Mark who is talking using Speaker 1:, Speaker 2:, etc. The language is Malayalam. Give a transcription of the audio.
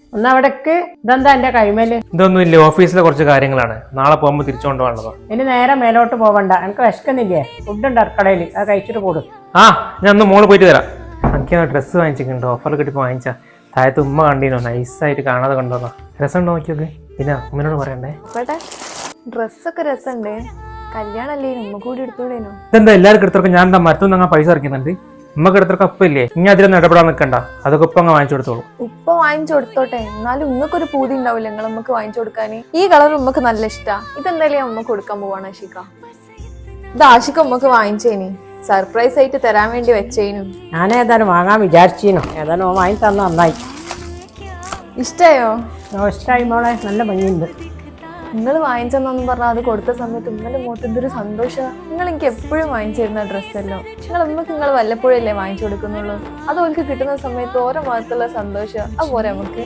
Speaker 1: ഒന്ന് അവിടേക്ക് ഇതെന്താ എന്റെ കൈമേല്?
Speaker 2: ഇതൊന്നുമില്ല, ഓഫീസിലെ കുറച്ച് കാര്യങ്ങളാണ്. നാളെ പോകുമ്പോൾ തിരിച്ചുകൊണ്ട് പോകേണ്ടതോ.
Speaker 1: ഇനി നേരെ മേലോട്ട് പോവണ്ട, എനിക്ക് വിശക്കുന്നില്ലേ? ഫുഡുണ്ട് അടുക്കളയിൽ, അത് കഴിച്ചിട്ട് കൂടും.
Speaker 2: ആ, ഞാൻ ഒന്ന് മോള് പോയിട്ട് തരാം. എനിക്ക് ഡ്രസ്സ് വാങ്ങിച്ചിട്ടുണ്ട്, ഓഫറിൽ കിട്ടിയപ്പോൾ വാങ്ങിച്ചാ. താഴത്ത് ഉമ്മ കണ്ടീനോ, നൈസായിട്ട് കാണാതെ കണ്ടോന്നോ. രസമുണ്ടോ നോക്കിയൊക്കെ. പിന്നെ ഉമ്മനോട് പറയണ്ടേ.
Speaker 3: ഡ്രസ്സൊക്കെ രസമുണ്ട്, കല്യാണല്ലേ ഉമ്മ കൂടി എടുത്തോളേനോ?
Speaker 2: ഇതെന്താ എല്ലാവർക്കും എടുത്തോക്കെ? ഞാൻ എന്താ മരത്തുനിന്ന് അങ്ങനെ പൈസ ഇറക്കുന്നുണ്ട്. ഉമ്മക്ക് എടുത്തൊക്കെ ഒപ്പം ഇല്ലേ? ഇനി അതിലൊന്നും ഇടപെടാൻ നിൽക്കണ്ട, അതൊക്കെ ഉപ്പ അങ്ങ് വാങ്ങിച്ചു കൊടുത്തോളൂ.
Speaker 3: ഉപ്പ വാങ്ങിച്ചു കൊടുത്തോട്ടെ, എന്നാലും ഉമ്മക്കൊരു പൂതി ഉണ്ടാവില്ല നിങ്ങൾ ഉമ്മക്ക് വാങ്ങിച്ചു കൊടുക്കാൻ. ഈ കളർ ഉമ്മക്ക് നല്ല ഇഷ്ടാ. ഇതെന്തായാലും ഉമ്മക്ക് കൊടുക്കാൻ പോവാണ് ആഷിക. ഇത് ആഷിക ഉമ്മക്ക് വാങ്ങിച്ചേനി, സർപ്രൈസ് ആയിട്ട് തരാൻ വേണ്ടി വെച്ചേനു.
Speaker 1: ഞാൻ ഏതായാലും വാങ്ങാൻ വിചാരിച്ചീനോ, ഏതായാലും വാങ്ങി തന്ന നന്നായി.
Speaker 3: ഇഷ്ടായോ?
Speaker 1: ഇഷ്ടായി മോളെ, നല്ല ഭംഗിയുണ്ട്.
Speaker 3: നിങ്ങൾ വാങ്ങിച്ചെന്നു പറഞ്ഞാൽ അത് കൊടുത്ത സമയത്ത് ഉമ്മന്റെ മുഖത്ത് എന്തൊരു സന്തോഷമാണ്. നിങ്ങൾ എനിക്ക് എപ്പോഴും വാങ്ങിച്ചു തരുന്ന ഡ്രസ്സല്ലോ. ഉമ്മക്ക് നിങ്ങൾ വല്ലപ്പോഴല്ലേ വാങ്ങിച്ചു കൊടുക്കുന്നുള്ളൂ. അത് ഓൾക്ക് കിട്ടുന്ന സമയത്ത് ഓരോ മുഖത്തുള്ള സന്തോഷം അതുപോലെ നമുക്ക്